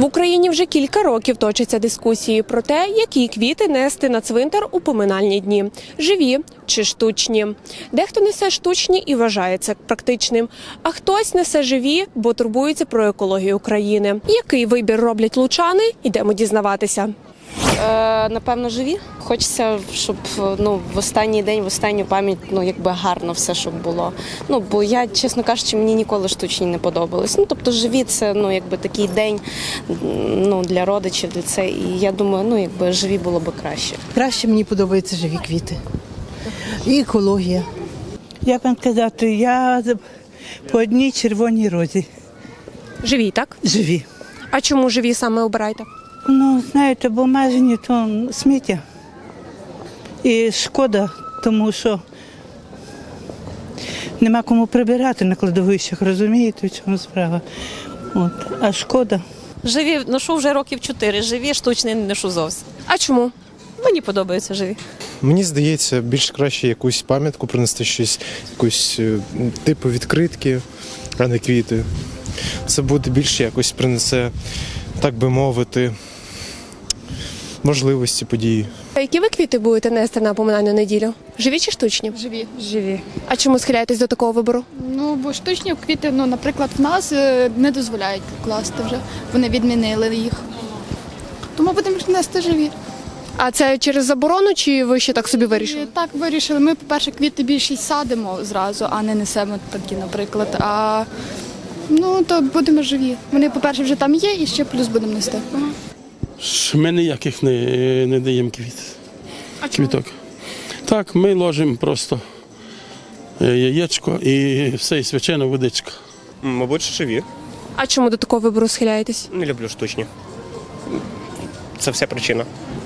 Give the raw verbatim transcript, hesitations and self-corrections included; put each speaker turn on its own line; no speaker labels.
В Україні вже кілька років точаться дискусії про те, які квіти нести на цвинтар у поминальні дні – живі чи штучні. Дехто несе штучні і вважає це практичним, а хтось несе живі, бо турбується про екологію країни. Який вибір роблять лучани – ідемо дізнаватися.
Е, напевно, живі. Хочеться, щоб ну, в останній день, в останню пам'ять, ну, якби гарно все, щоб було. Ну, бо я, чесно кажучи, мені ніколи штучні не подобались. Ну, тобто живі – це, ну, якби такий день, ну, для родичів, для це. І я думаю, ну, якби живі було б краще.
Краще мені подобаються живі квіти. І екологія. Як вам казати, я по одній червоній розі.
Живі, так?
Живі.
А чому живі саме обираєте?
Ну, знаєте, бо обмежені то сміття. І шкода, тому що нема кому прибирати на кладовищах, розумієте, в чому справа. От. А шкода.
Живі ношу вже років чотири, живі, штучні не ношу зовсім.
А чому?
Мені подобаються живі.
Мені здається, більш краще якусь пам'ятку принести, щось, якусь е, типу відкритки, а не квіти. Це буде більше якось принесе, так би мовити, можливості події.
А які ви квіти будете нести на поминальну неділю? Живі чи штучні?
Живі. Живі.
А чому схиляєтесь до такого вибору?
Ну, бо штучні квіти, ну, наприклад, в нас е, не дозволяють класти вже. Вони відмінили їх. Тому будемо нести живі.
А це через заборону, чи ви ще так собі вирішили?
І так вирішили. Ми, по-перше, квіти більшість садимо зразу, а не несемо такі, наприклад. А ну, то будемо живі. Вони, по-перше, вже там є і ще плюс будемо нести.
Ми ніяких не, не даємо квіт.
А чому?
Квіток. Так, ми ложимо просто яєчко і все, і свячена водичка.
Мабуть, живі.
А чому до такого вибору схиляєтесь?
Не люблю штучні. Це вся причина.